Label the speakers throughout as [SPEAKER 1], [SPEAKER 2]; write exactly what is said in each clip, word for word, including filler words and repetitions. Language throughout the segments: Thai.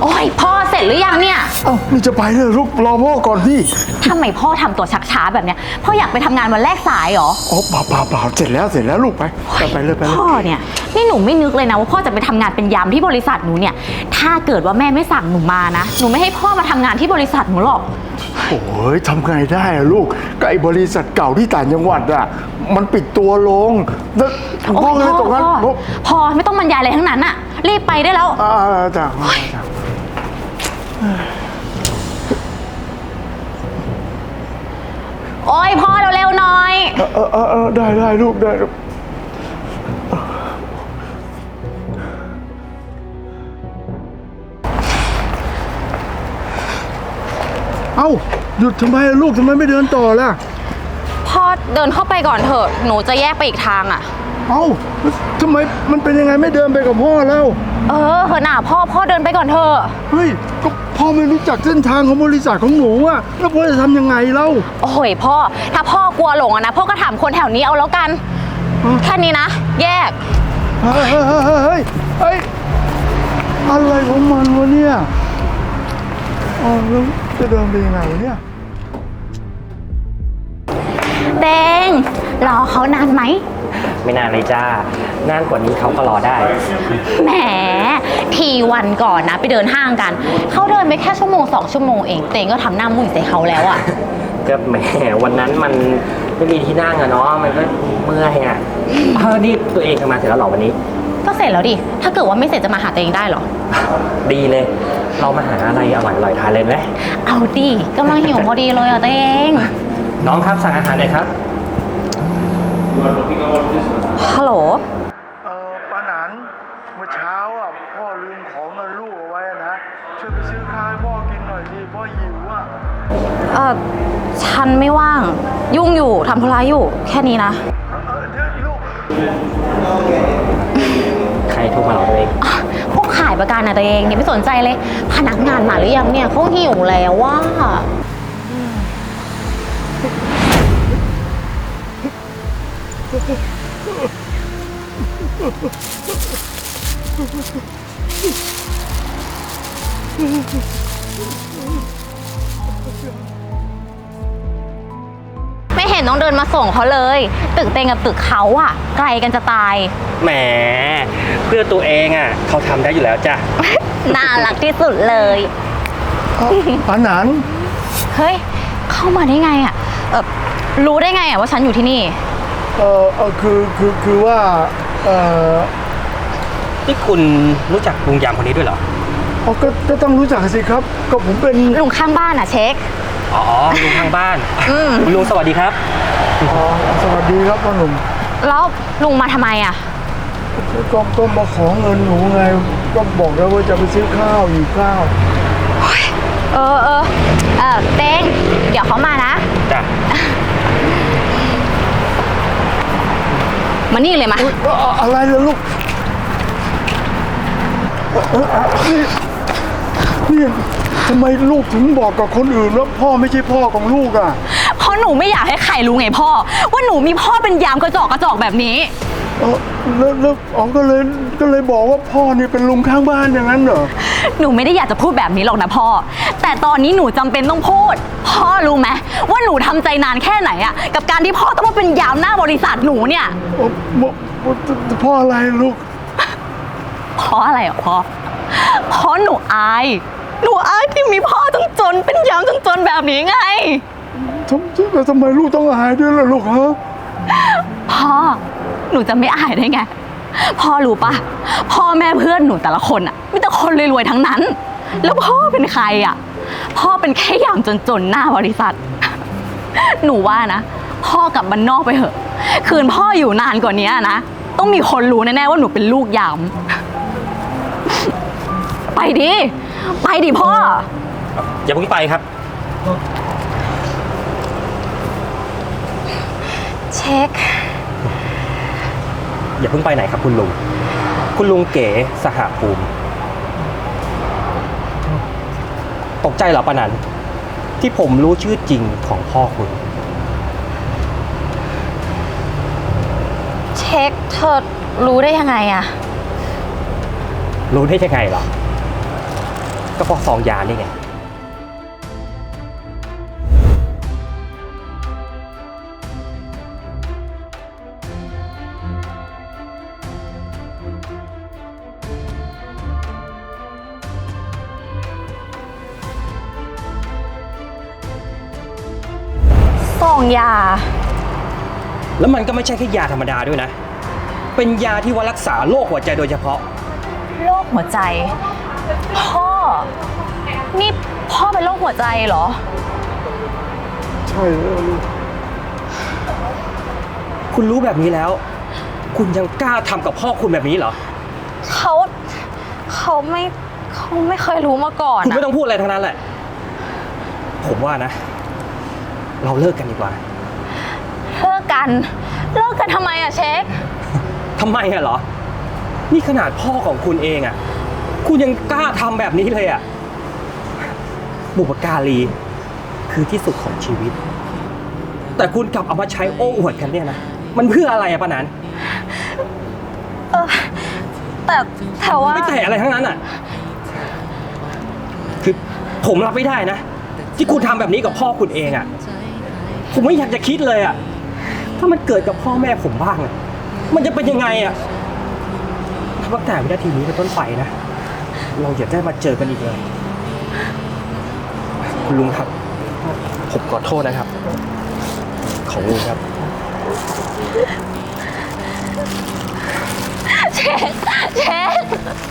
[SPEAKER 1] โอ้ยพ่อเสร็จหรือยังเนี่ย
[SPEAKER 2] เอ้านี่จะไปเลยลูกรอพ่อก่อนพี่
[SPEAKER 1] ทำไมพ่อทำตัวชักช้าแบบเนี้ยพ่ออยากไปทำงานวันแรกสายเหรอ
[SPEAKER 2] อ๋อเปล่าเปล่าเปล่าเสร็จแล้วเสร็จแล้วลูกไปไปเลยไปเลย
[SPEAKER 1] พ่อเนี่ยนี่หนูไม่นึกเลยนะว่าพ่อจะไปทำงานเป็นยามที่บริษัทหนูเนี่ยถ้าเกิดว่าแม่ไม่สั่งหนูมานะหนูไม่ให้พ่อมาทำงานที่บริษัทหนูหรอก
[SPEAKER 2] โอ้ยทำไงได้อะลูกก็ไอ้บริษัทเก่าที่ต่างจังหวัดอะมันปิดตัวลงแล้วพ่อเลยตรงนั้น
[SPEAKER 1] พอไม่ต้องบรรยายอะไรทั้งนั้นอะรีบไปได้แล้ว
[SPEAKER 2] อ่าจ้ะ
[SPEAKER 1] โอ้ยพ่อเร็วๆหน่อย
[SPEAKER 2] เออเออเออได้ได้ลูกได้เอ้าหยุดทำไมลูกทำไมไม่เดินต่อล่ะ
[SPEAKER 1] พ่อเดินเข้าไปก่อนเถอะหนูจะแยกไปอีกทางอ่ะ
[SPEAKER 2] เอ้าทำไมมันเป็นยังไงไม่เดินไปกับพ่อแล้ว
[SPEAKER 1] เออเหอะหน่าพ่อพ่อเดินไปก่อนเถอะ
[SPEAKER 2] เฮ้ยก็พ่อไม่รู้จักเส้นทางของบริษัทของหนูอะแล้วพ่อจะทำยังไงเล่า
[SPEAKER 1] โอ้ยพ่อถ้าพ่อกลัวหลงอะนะพ่อก็ถามคนแถวนี้เอาแล้วกันแค่นี้นะแยก
[SPEAKER 2] เฮ้ยเฮ้ยเฮ้ยเฮ้ยอะไรของมันวะเนี่ยอ๋อแล้วจะเดินไปยังไงเนี่ย
[SPEAKER 1] เตงรอเขานานไหม
[SPEAKER 3] ไม่นานเลยจ้านานกว่านี้เขาก็รอได้
[SPEAKER 1] แหมทีวันก่อนนะไปเดินห้างกันเขาเดินไปแค่ชั่วโมงสองชั่วโมงเองเตงก็ทำหน้ามุ่งใส่เขาแล้วอ่ะ
[SPEAKER 3] ก็แหมวันนั้นมันไม่มีที่นั่งอะเนาะมันก็เมื่อยอะเออนี่ตัวเองทำงานเสร็จแล้วหรอวันนี้
[SPEAKER 1] ก็เสร็จแล้วดิถ้าเกิดว่าไม่เสร็จจะมาหาตัวเองได้หรอ
[SPEAKER 3] ดีเลยเรามาหาอะไรอร่อยๆทานเลยไหม
[SPEAKER 1] เอาดิกำลังหิวพอดีเลยอ่ะตัวเอง
[SPEAKER 3] น้องครับสั่งอาหารเลยครับ
[SPEAKER 1] ฮัลโหล
[SPEAKER 2] เออป้าหนันเมื่อเช้าอ่ะพ่อลืมของเงินลูกเอาไว้นะช่วยไปซื้อข้าวให้พ่อกินหน่อยดิพ่อหิวอ่ะ
[SPEAKER 1] เออฉันไม่ว่างยุ่งอยู่ทำธุระอยู่แค่นี้นะ
[SPEAKER 2] เออเดี๋ยวลูก
[SPEAKER 3] ใครโทรมาหรอตัวเอง
[SPEAKER 1] พวกขายประกันนะตัวเองเนี่ยไม่สนใจเลยพนักงานมาหรือยังเนี่ยเขาหิวแล้วว่าไม่เห็นต้องเดินมาส่งเขาเลยตึกเตงกับตึกเขาอะไกลกันจะตาย
[SPEAKER 3] แหมเพื่อตัวเองอะเขาทำได้อยู่แล้วจ้ะ
[SPEAKER 1] น่ารักที่สุดเลย
[SPEAKER 2] ป้าหนัน
[SPEAKER 1] เฮ้ยเข้ามาได้ไงอะเออรู้ได้ไงอะว่าฉันอยู่ที่นี่
[SPEAKER 2] เออเออคือคือคือว่าเออ
[SPEAKER 3] ที่คุณรู้จักลุงยามคนนี้ด้วยเหรอ
[SPEAKER 2] อ๋อก็ก็ต้องรู้จักสิครับก็ผมเป็น
[SPEAKER 1] ลุงข้างบ้านอะเช็ค
[SPEAKER 3] อ๋อลุงข้างบ้านลุงสวัสดีครับ
[SPEAKER 2] อ๋อสวัสดีครับพ่อหนุ่ม
[SPEAKER 1] แล้วลุงมาทำไมอะ
[SPEAKER 2] ก็ก็มาขอเงินหนูไงก็บอกแล้วว่าจะไปซื้อข้าวอยู่ข้าว
[SPEAKER 1] เออเออเออเต้งเดี๋ยวเขามานะ
[SPEAKER 3] จ้ะ
[SPEAKER 1] มานี่เลยมา
[SPEAKER 2] อะไรเลยลูกนี่ทำไมลูกถึงบอกกับคนอื่นว่าพ่อไม่ใช่พ่อของลูกอ่ะ
[SPEAKER 1] เพราะหนูไม่อยากให้ใครรู้ไงพ่อว่าหนูมีพ่อเป็นยามกระจอกกระจอกแบบนี้
[SPEAKER 2] เออแล้วแล้วอ๋อก็เลยก็เลยบอกว่าพ่อนี่เป็นลุงข้างบ้านอย่างนั้นเหรอ
[SPEAKER 1] หนูไม่ได้อยากจะพูดแบบนี้หรอกนะพ่อแต่ตอนนี้หนูจำเป็นต้องพูดพ่อรู้ไหมว่าหนูทำใจนานแค่ไหนอะกับการที่พ่อต้องมาเป็นยามหน้าบริษัทหนูเนี่ย
[SPEAKER 2] พ่ออะไรลูก
[SPEAKER 1] เพราะอะไรอ่ะพ่อเพราะหนูอายหนูอายที่มีพ่อต้องจนเป็นยามต้องจนแบบนี้ไง
[SPEAKER 2] ทำแต่ทำไมลูกต้องอายด้วยล่ะลูกฮะ
[SPEAKER 1] พ่อหนูจะไม่อายได้ไงพ่อรู้ปะพ่อแม่เพื่อนหนูแต่ละคนอ่ะมีแต่คนรวยๆทั้งนั้นแล้วพ่อเป็นใครอ่ะพ่อเป็นแค่ยามจนๆหน้าบริษัทหนูว่านะพ่อกลับบ้านนอกไปเถอะคืนพ่ออยู่นานกว่านี้นะต้องมีคนรู้แน่ๆว่าหนูเป็นลูกยามไปดิไปดิพ่อ
[SPEAKER 3] อย่าเพิ่งไปครับ
[SPEAKER 1] เช็ค
[SPEAKER 3] อย่าเพิ่งไปไหนครับคุณลุงคุณลุงเก๋สหภูมิตกใจเหรอปะนันที่ผมรู้ชื่อจริงของพ่อคุณ
[SPEAKER 1] เช็คเธอรู้ได้ยังไงอะ
[SPEAKER 3] รู้ได้ยังไงเหรอก็เพราะซองยานี่ไง
[SPEAKER 1] ซองยา
[SPEAKER 3] แล้วมันก็ไม่ใช่แค่ยาธรรมดาด้วยนะ เป็นยาที่ว่ารักษาโรคหัวใจโดยเฉพาะ
[SPEAKER 1] โรคหัวใจ พ่อ นี่พ่อเป็นโรคหัวใจเหรอ
[SPEAKER 2] ใช่แล้วลูก
[SPEAKER 3] คุณรู้แบบนี้แล้ว คุณยังกล้าทำกับพ่อคุณแบบนี้เหรอ
[SPEAKER 1] เขาเขาไม่เขาไม่เคยรู้มาก่อน
[SPEAKER 3] คุณไม่
[SPEAKER 1] อะ
[SPEAKER 3] ต้องพูดอะไรทั้งนั้นแหละ ผมว่านะ เราเลิกกันดีกว่า
[SPEAKER 1] เลิกกัน เลิกกันทำไมอะเช็ค
[SPEAKER 3] ทำไมอะเหรอ นี่ขนาดพ่อของคุณเองอะคุณยังกล้าทำแบบนี้เลยอะบุปการีคือที่สุดของชีวิต แต่คุณกลับเอามาใช้โอ้อวดกันเนี่ยนะ มันเพื่ออะไรอะปะนัน
[SPEAKER 1] เออแต่แต่ว่า
[SPEAKER 3] ไม่แต่อะไรทั้งนั้นอะคือผมรับไม่ได้นะ ที่คุณทำแบบนี้กับพ่อคุณเองอะผมไม่อยากจะคิดเลยอะถ้ามันเกิดกับพ่อแม่ผมบ้างอะมันจะเป็นยังไงอะถ้าตั้งแต่วินาทีนี้เป็นต้นไปนะ เราอย่าได้มาเจอกันอีกเลย คุณลุงครับ ผมขอโทษนะครับ ของลุงครับ
[SPEAKER 1] เช็คเช็ค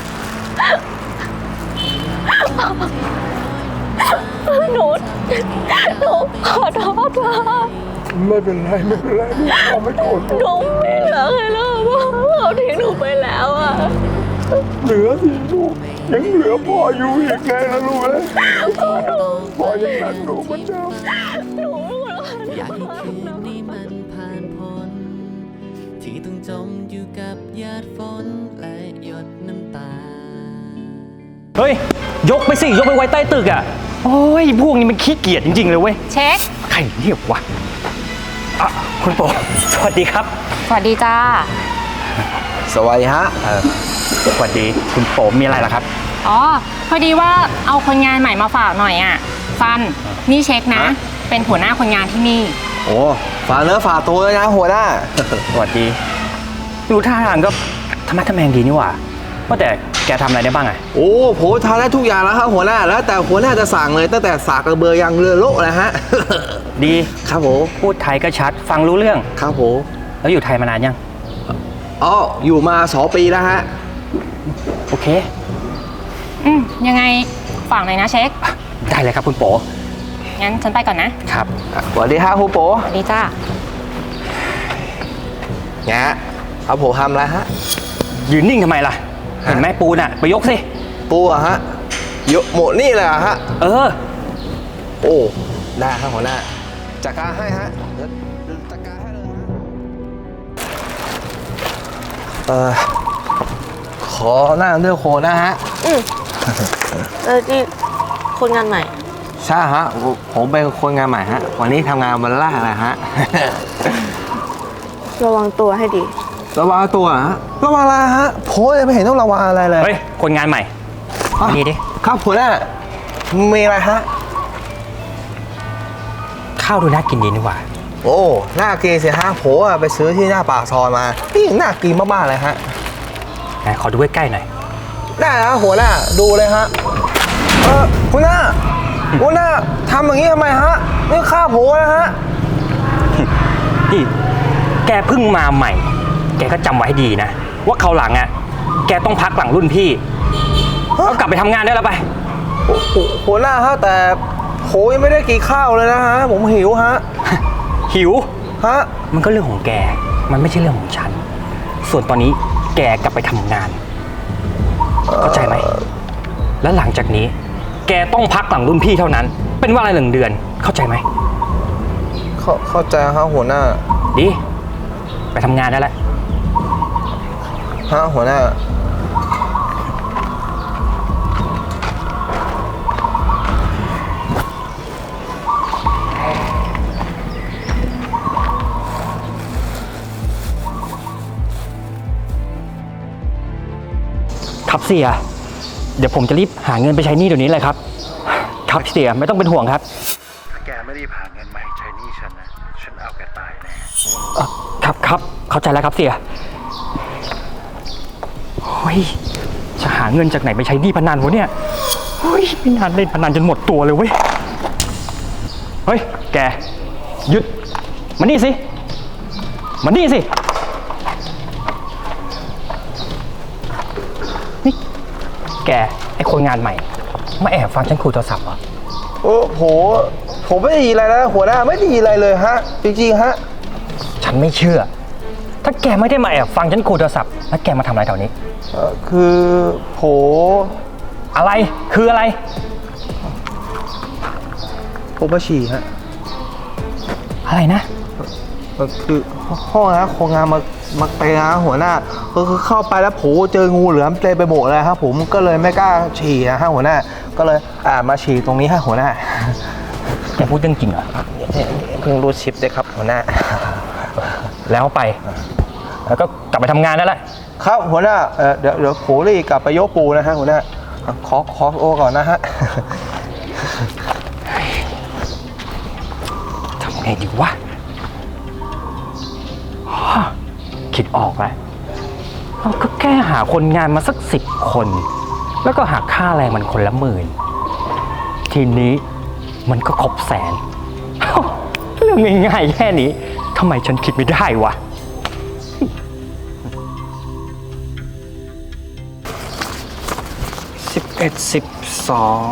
[SPEAKER 1] หนูหนูขอโทษพ่อ
[SPEAKER 2] ไม่เป็นไรไม่เป็นไรลูกพ่อไม่โกรธ
[SPEAKER 1] หนูไม่เหลือใครแล้วพ่อเขาทิ้งหนูไปแล้วอะ
[SPEAKER 2] เหลือสิลูกยังเหลือพ่ออยู่อีกไงนะลูกเอ้ยพ่อยังรักหนูเหมือนเดิม
[SPEAKER 1] หนูไม่รู้
[SPEAKER 4] อยากให้คืนนี้มันผ่านพ้นที่ต้องจมอยู่กับหยาดฝนและหยดน้ำตา
[SPEAKER 3] เฮ้ย ยกไปสิ ยกไปไว้ใต้ตึกอ่ะ โอ้ย พวกนี้มันขี้เกียจจริงๆเลยเว้ย
[SPEAKER 1] เช็ค
[SPEAKER 3] ใครเรียกวะอ่ะคุณโปสวัสดีครับ
[SPEAKER 1] สวัสดีจ้า
[SPEAKER 5] สวัสดีฮะ
[SPEAKER 3] เออสวัสดี คุณโปมีอะไรล่ะครับ
[SPEAKER 6] อ๋อ พอดีว่าเอาคนงานใหม่มาฝากหน่อยอ่ะ ฟัน นี่เช็คนะ เป็นหัวหน้าคนงานที่นี่
[SPEAKER 5] โอ้ฝากเนื้อฝากตัวเลยนะหัวหน้า
[SPEAKER 3] สวัสดี ดูท่าทางก็ธรรมะทะแมงดีนี่หว่า ว่าแต่แกทำอะไรได้บ้างอ่ะ
[SPEAKER 5] โอ้ผมทำได้ทุกอย่างแล้วครับหัวหน้า แล้วแต่หัวหน้าจะสั่งเลยตั้งแต่สากกระเบือยังเรือโลนะฮะ
[SPEAKER 3] ดี
[SPEAKER 5] ครับผม
[SPEAKER 3] พูดไทยก็ชัด ฟังรู้เรื่อง
[SPEAKER 5] ครับผม
[SPEAKER 3] แล้วอยู่ไทยมานานยัง
[SPEAKER 5] อ๋ออยู่มาสองปีแล้วฮะ
[SPEAKER 3] โอเค
[SPEAKER 6] อืมยังไงฝากหน่อยนะเช็ค
[SPEAKER 3] ได้เลยครับคุณโป
[SPEAKER 6] งั้นฉันไปก่อนนะ
[SPEAKER 3] ครับ
[SPEAKER 5] สวัสดีฮะครูโป
[SPEAKER 6] สวัสดีจ้า
[SPEAKER 5] แงะเอาผมทำอะไรฮะ
[SPEAKER 3] ยืนนิ่งทำไมล่ะ เห็นไหมปูนอ่ะ ไปยกสิ
[SPEAKER 5] ปูอะฮะยกหมดนี่เลยอะฮะ
[SPEAKER 3] เออ
[SPEAKER 5] โอ้ได้ครับหัวหน้าจัดการให้ฮะจัดการให้เลยฮะเออขอหน้าเลือกโคนนะฮะ
[SPEAKER 7] เออนี่คนงานใหม่
[SPEAKER 5] ใช่ฮะผมผมเป็นคนงานใหม่ฮะ วันนี้ทำงานวันแรกนะฮะ
[SPEAKER 7] ระวังตัวให้ดี
[SPEAKER 5] ระวังตัวฮะระวังอะไรฮะผมยังไม่เห็นต้องระวังอะไรเลย
[SPEAKER 3] เฮ้ย คนงานใหม่
[SPEAKER 5] อ่ะ
[SPEAKER 3] นี่ดิ
[SPEAKER 5] ครับหัวหน้ามีอะไรฮะ
[SPEAKER 3] ข้าวดูน่ากินดีนี่หว่า
[SPEAKER 5] โอ้น่ากินสิฮะผมอะไปซื้อที่หน้าปากซอยมานี่น่ากินมากๆเลยฮะ
[SPEAKER 3] ไหนขอดูใกล้ๆหน่อย
[SPEAKER 5] ได้แล้วหัวหน้าดูเลยฮะเออหัวหน้าหัวหน้าทำอย่างนี้ทำไมฮะนี่ฆ่าผมนะฮะ
[SPEAKER 3] นี่แกเพิ่งมาใหม่ แกก็จำไว้ให้ดีนะ ว่าคราวหลังอ่ะ แกต้องพักหลังรุ่นพี่เอากลับไปทำงานได้แล้วไป
[SPEAKER 5] โอ้โหหัวหน้าฮะแต่ผมยังไม่ได้กินข้าวเลยนะฮะผมหิวฮะ
[SPEAKER 3] หิว
[SPEAKER 5] ฮะ
[SPEAKER 3] มันก็เรื่องของแก มันไม่ใช่เรื่องของฉัน ส่วนตอนนี้แกกลับไปทำงาน เข้าใจไหม แล้วหลังจากนี้ แกต้องพักหลังรุ่นพี่เท่านั้น เป็นเวลาหนึ่งเดือน เข้าใจไหม
[SPEAKER 5] เข้าเข้าใจครับหัวหน้า
[SPEAKER 3] ดี ไปทำงานได้แล้ว
[SPEAKER 5] ฮะหัวหน้า
[SPEAKER 3] ครับเสียเดี๋ยวผมจะรีบหาเงินไปใช้หนี้เดี๋ยวนี้เลยครับ ครับเสียไม่ต้องเป็นห่วงครับ
[SPEAKER 2] ถ้าแกไม่ได้ผ่าเงินมาให้ใช้หนี้ฉันนะ ฉันเอาแกตายแน่
[SPEAKER 3] เอ่อครับครับเข้าใจแล้วครับเสียเฮ้ยจะหาเงินจากไหนไปใช้หนี้พนันวะเนี่ยเฮ้ยไม่นานเล่นพนันจนหมดตัวเลยเว้ยเฮ้ยแกหยุดมานี่สิมานี่สินี่แกไอคนงานใหม่มาแอบฟังฉันคุยโทรศัพท์เหรอ
[SPEAKER 5] โอ้โหผมไม่ได้ยินอะไรนะหัวหน้าไม่ได้ยินอะไรเลยฮะ จริงๆฮะ
[SPEAKER 3] ฉันไม่เชื่อ ถ้าแกไม่ได้มาแอบฟังฉันคุยโทรศัพท์แล้วแกมาทำอะไรแถวนี้
[SPEAKER 5] เอ่อคือโผ
[SPEAKER 3] อะไรคืออะไร
[SPEAKER 5] ผมมาฉี่ฮะ
[SPEAKER 3] อะไรนะ
[SPEAKER 5] เอ่อคือห้องนะโครงงานมามาเตะนะหัวหน้าก็คือเข้าไปแล้วโผเจองูเหลือมเต็มไปหมดเลยครับผมก็เลยไม่กล้าฉี่นะฮะหัวหน้าก็เลยอ่ามาฉี่ตรงนี้ฮะหัวหน้า
[SPEAKER 3] แกพูดเรื่องจริงเหรอ
[SPEAKER 5] เพิ่งรู้ชิปด้วยครับหัวหน้า
[SPEAKER 3] แล้วไป แล้วก็กลับไปทำงานนั่นแหละ
[SPEAKER 5] ครับหัวหน้าเอ่อเดี๋ยวเดี๋ยวโผรีบกลับไปยกปูนะฮะหัวหน้าขอขอโอก่อนนะฮะ
[SPEAKER 3] ทำไงดีวะฮะคิดออกแล้วเราก็แค่หาคนงานมาสักสิบคน แล้วก็หักค่าแรงมันคนละหมื่น ทีนี้มันก็ครบแสน เรื่องง่ายๆแค่นี้ทำไมฉันคิดไม่ได้วะ สิบเอ็ดสิบสอง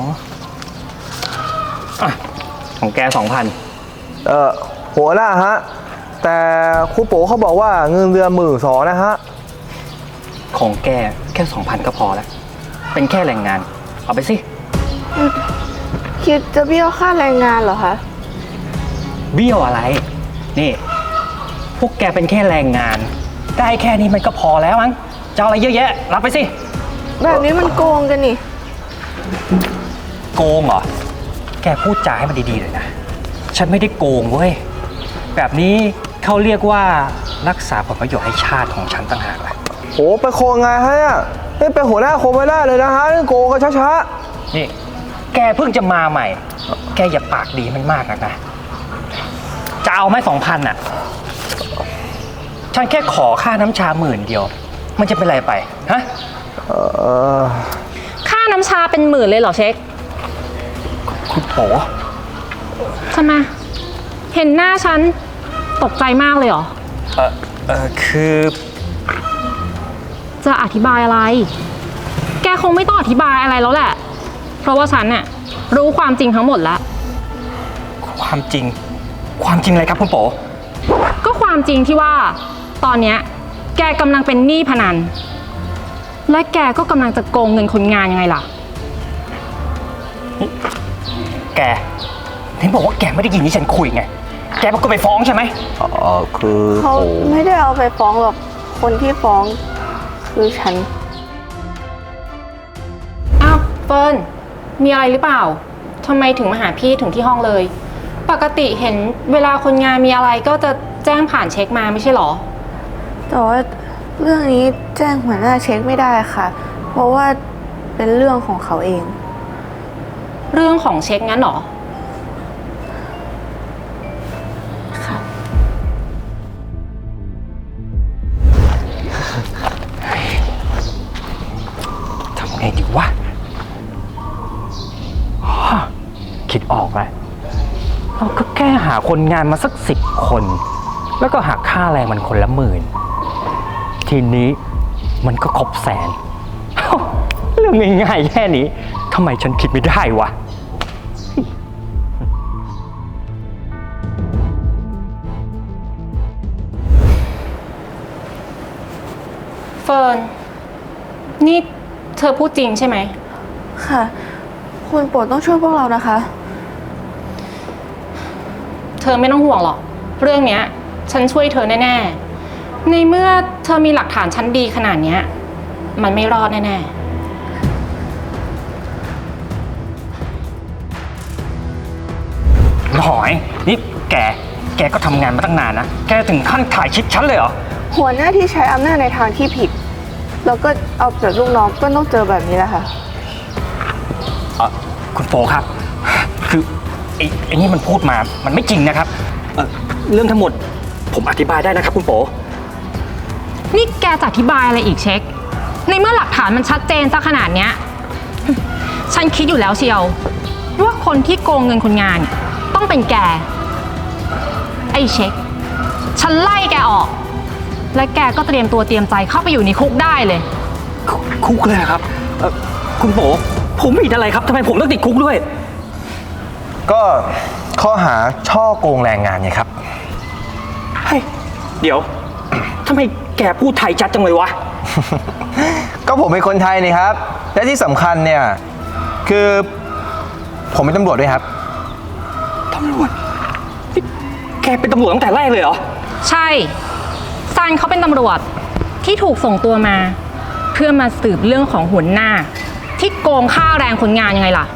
[SPEAKER 3] อ่ะของแกสองพัน
[SPEAKER 5] เอ่อหัวหน้าฮะแต่ครูโป๋เขาบอกว่าเงินเดือนหมื่นสองนะฮะ
[SPEAKER 3] ของแกแค่สองพันก็พอแล้ว เป็นแค่แรงงาน เอาไปสิ
[SPEAKER 7] คิดจะเบี้ยวค่าแรงงานเหรอคะ
[SPEAKER 3] เบี้ยวอะไร นี่ พวกแกเป็นแค่แรงงาน ได้แค่นี้มันก็พอแล้วมั้งจะเอาอะไรเยอะแยะ รับไปสิ
[SPEAKER 7] แบบนี้มันโกงกันนี่
[SPEAKER 3] โกงเหรอ แกพูดจาให้มันดีๆเลยนะ ฉันไม่ได้โกงเว้ย แบบนี้เขาเรียกว่ารักษาผลประโยชน์ให้ชาติของฉันต่างหากล่ะ
[SPEAKER 5] โหไปโคงไงฮะเนี่ยนี่เป็นหัวหน้าโคงไม่ได้เลยนะฮะนี่โกงกันช้า
[SPEAKER 3] นี่ แกเพิ่งจะมาใหม่ แกอย่าปากดีมันมากนักนะ จะเอาไหมสองพันอ่ะ ฉันแค่ขอค่าน้ำชาหมื่นเดียว มันจะเป็นไรไป ฮะ
[SPEAKER 5] ๆเอ่อ
[SPEAKER 6] ค่าน้ำชาเป็นหมื่นเลยเหรอเช็ค
[SPEAKER 3] คุณโผ
[SPEAKER 6] ทำไมเห็นหน้าฉันตกใจมากเลยเหรอ
[SPEAKER 3] เออเออคือ
[SPEAKER 6] จะอธิบายอะไร แกคงไม่ต้องอธิบายอะไรแล้วแหละ เพราะว่าฉันน่ะรู้ความจริงทั้งหมดแล้ว
[SPEAKER 3] ความจริง ความจริงอะไรครับคุณโผ
[SPEAKER 6] ก็ความจริงที่ว่า ตอนเนี้ยแกกำลังเป็นหนี้พนัน และแกก็กำลังจะโกงเงินคนงานยังไงล่ะ
[SPEAKER 3] แกเห็นบอกว่าแกไม่ได้ยินที่ฉันคุยไง แกเป็นคนไปฟ้องใช่ไหม
[SPEAKER 5] เอ่อคือ
[SPEAKER 7] เขา
[SPEAKER 5] โผ
[SPEAKER 7] ไม่ได้เอาไปฟ้องหรอก คนที่ฟ้องคือฉัน
[SPEAKER 6] อ้าวเฟิร์นมีอะไรหรือเปล่าทำไมถึงมาหาพี่ถึงที่ห้องเลย ปกติเห็นเวลาคนงานมีอะไรก็จะแจ้งผ่านเช็คมาไม่ใช่หรอ
[SPEAKER 7] แต่ว่าเรื่องนี้แจ้งหัวหน้าเช็คไม่ได้ค่ะ เพราะว่าเป็นเรื่องของเขาเอง
[SPEAKER 6] เรื่องของเช็คงั้นหรอ
[SPEAKER 7] ค่ะ
[SPEAKER 3] ทำไงดีวะฮะคิดออกแล้วเราก็แค่หาคนงานมาสักสิบคน แล้วก็หักค่าแรงมันคนละหมื่น ทีนี้มันก็ครบแสน เรื่องง่ายๆแค่นี้ทำไมฉันคิดไม่ได้วะ
[SPEAKER 6] เฟิร์นนี่เธอพูดจริงใช่ไหม
[SPEAKER 7] ค่ะ คุณโปรดต้องช่วยพวกเรานะคะ
[SPEAKER 6] เธอไม่ต้องห่วงหรอก เรื่องเนี้ย ฉันช่วยเธอแน่ๆ ในเมื่อเธอมีหลักฐานชั้นดีขนาดเนี้ย มันไม่รอดแน่ๆ
[SPEAKER 3] หน่อย นี่แก แกก็ทำงานมาตั้งนานนะ แกถึงขั้นถ่ายคลิปฉันเลยเหรอ
[SPEAKER 7] หัวหน้าที่ใช้อำนาจในทางที่ผิด แล้วก็เอาเปรียบลูกน้องก็ต้องเจอแบบนี้แหละค่ะ
[SPEAKER 3] เออคุณโฟครับ คือไอ้ไอ้นี่มันพูดมา มันไม่จริงนะครับเอ่อเรื่องทั้งหมดผมอธิบายได้นะครับคุณโฟ
[SPEAKER 6] นี่แกจะอธิบายอะไรอีกเช็ค ในเมื่อหลักฐานมันชัดเจนซะขนาดเนี้ย ฉันคิดอยู่แล้วเชียวว่าคนที่โกงเงินคนงานเนี่ยต้องเป็นแก ไอ้เช็ค ฉันไล่แกออก และแกก็เตรียมตัวเตรียมใจเข้าไปอยู่ในคุกได้เลย
[SPEAKER 3] คุคุกเลยเหรอครับเอ่อคุณโฟผมผิดอะไรครับทำไมผมต้องติดคุกด้วย
[SPEAKER 5] ก็ข้อหาช่อโกงแรงงานไงครับ
[SPEAKER 3] เฮ้ย เดี๋ยว ทำไมแกพูดไทยชัดจังเลยวะ
[SPEAKER 5] ก็ผมเป็นคนไทยนี่ครับ และที่สำคัญเนี่ย คือผมเป็นตำรวจด้วยครับ
[SPEAKER 3] ตำรวจนี่แกเป็นตำรวจตั้งแต่แรกเลยเหรอ
[SPEAKER 6] ใช่ซันเขาเป็นตำรวจที่ถูกส่งตัวมา เพื่อมาสืบเรื่องของหัวหน้า ที่โกงค่าแรงคนงานยังไงล่ะ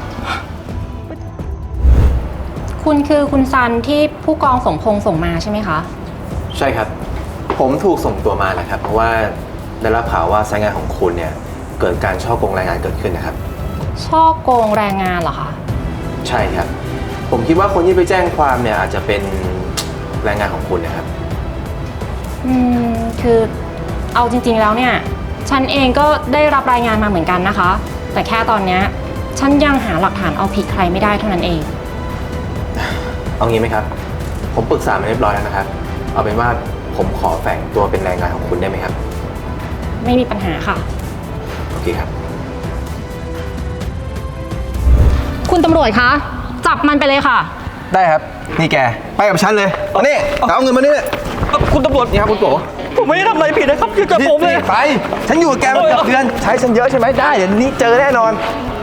[SPEAKER 6] คุณคือคุณซันที่ผู้กองสมพงษ์ส่งมาใช่ไหมคะ
[SPEAKER 5] ใช่ครับ ผมถูกส่งตัวมาแหละครับ เพราะว่าได้รับข่าวว่าสายงานของคุณเนี่ยเกิดการช่อโกงแรงงานเกิดขึ้นนะครับ
[SPEAKER 6] ช่อโกงแรงงานเหรอคะ
[SPEAKER 5] ใช่ครับ ผมคิดว่าคนที่ไปแจ้งความเนี่ยอาจจะเป็นแรงงานของคุณนะครับ
[SPEAKER 6] อืม คือเอาจริงๆแล้วเนี่ย ฉันเองก็ได้รับรายงานมาเหมือนกันนะคะ แต่แค่ตอนเนี้ยฉันยังหาหลักฐานเอาผิดใครไม่ได้เท่านั้นเอง
[SPEAKER 5] เอางี้ไหมครับ ผมปรึกษามาเรียบร้อยแล้วนะครับ เอาเป็นว่าผมขอแฝงตัวเป็นแรงงานของคุณได้ไหมครับ
[SPEAKER 6] ไม่มีปัญหาค่ะ
[SPEAKER 5] โอเคครับ
[SPEAKER 6] คุณตำรวจคะ จับมันไปเลยค่ะ
[SPEAKER 5] ได้ครับ นี่แก ไปกับฉันเลยเอานี่เอาเงินมานี่
[SPEAKER 3] คุณตำรวจ
[SPEAKER 5] นี่ครับคุณโก
[SPEAKER 3] ผมไม่ได้ทำอะไรผิดนะครับอย่าจับผมเลย
[SPEAKER 5] นี่ไป ฉันอยู่กับแกมาเกือบเดือน ใช้ฉันเยอะใช่ไหมได้ เดี๋ยวนี้เจอแน่นอน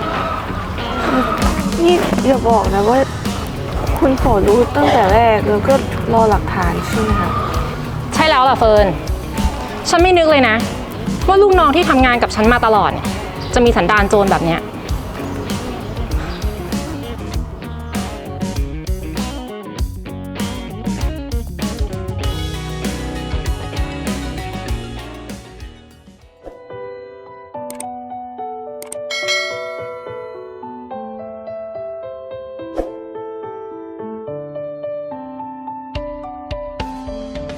[SPEAKER 7] นี่อย่าบอกนะว่าคุณโฟรู้ตั้งแต่แรกแล้วก็รอหลักฐานใช่ไหมคะ
[SPEAKER 6] ใช่แล้วล่ะเฟิร์น ฉันไม่นึกเลยนะ ว่าลูกน้องที่ทำงานกับฉันมาตลอดเนี่ยจะมีสันดานโจรแบบเนี้ย